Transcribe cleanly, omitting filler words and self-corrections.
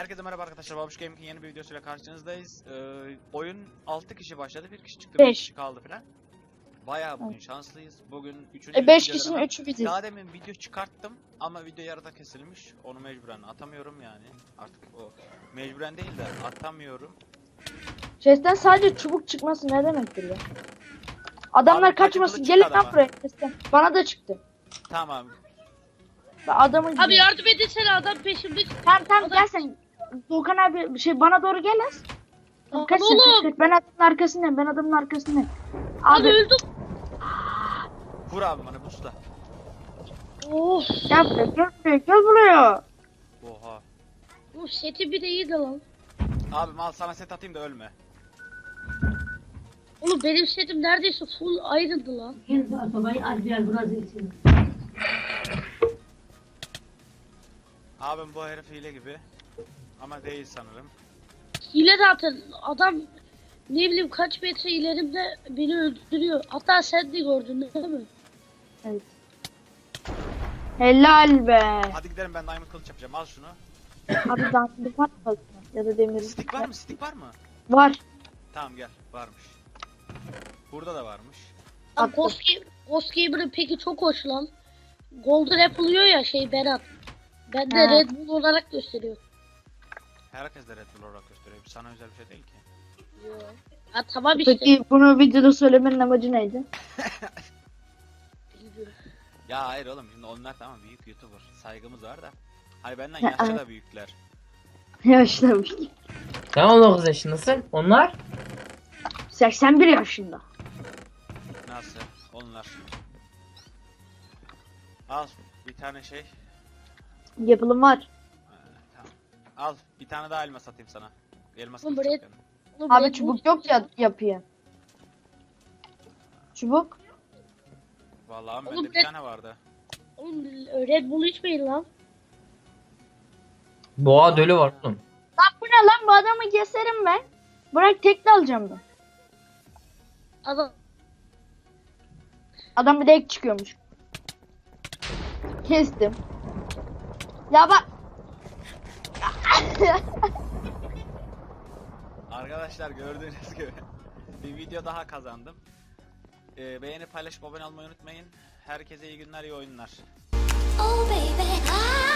Herkese merhaba arkadaşlar. Babuş Gaming'in yeni bir videosuyla karşınızdayız. Oyun 6 kişi başladı. 1 kişi çıktı, 5 kişi kaldı falan. Bayağı bugün şanslıyız. Bugün 3. 5 kişinin 3'ü biziz. Daha demin video çıkarttım ama video yarıda kesilmiş. Onu mecburen atamıyorum yani. Artık o mecburen değil de atamıyorum. Chest'ten sadece çubuk çıkması ne demektir ya? Adamlar Abi, kaçmasın. kaçıncı Gelin çıktı lan adama? buraya chest'ten. Bana da çıktı. Tamam. Ben adamı Abi gidiyorum. yardım etsene adam peşimde. Tamam gel sen. Doğukan abi bana doğru gel lan. Tamam Kaç sen oğlum. kaç. Ben adamın arkasındayım. Abi Abi öldüm. Vur abi bana busta. Of. gel buraya. Oha. Bu seti bir de iyiydi lan. Abi mal sana set atayım da ölme. Oğlum benim setim neredeyse full ayrıldı lan. Abim bu herif hile gibi. Ama değil sanırım. Hile zaten adam ne bileyim kaç metre ilerimde beni öldürüyor. Hatta sen de gördün değil mi? Evet. Helal be. Hadi gidelim, ben diamond kılıç yapacağım. Al şunu. Abi danslık var mı? Ya da demir. Stick var mı? Stick var mı? Var. Tamam gel. Varmış. Burada da varmış. Lan Attım. Ghost Gamer'ın peki çok hoş lan. Golden Apple oluyor ya Berat. Ben de He. Red Bull olarak gösteriyor. Herkes de Red Bull olarak gösteriyor. Sana özel bir şey değil ki. Ha tamam işte. Peki bunu videoda söylemenin amacı neydi? Bilmiyorum. Ya hayır oğlum, şimdi onlar tamam büyük YouTuber. Saygımız var da. Hani benden yaşça da büyükler. Yaşlamış. Sen 19 yaşındasın. Onlar 81 yaşında. Nasıl? Onlar. Al bir tane şey. Yapılım var. Tamam. Al bir tane daha elma satayım sana. Elmas Oğlum, kılıç Red- yapıyorum. Oğlum, Abi Red Bull- çubuk yok ya yapıyor. Çubuk. Vallahi Oğlum, bende bir tane vardı. Oğlum Red Bull içmeyin lan. boğa dölü var oğlum. Lan bu ne lan, bu adamı keserim ben. Bırak tekli alacağım ben. Adam Adam bir de ek çıkıyormuş. Kestim. Ya bak. Arkadaşlar gördüğünüz gibi bir video daha kazandım. Beğenip paylaşıp abone olmayı unutmayın. Herkese iyi günler, iyi oyunlar. Oh baby,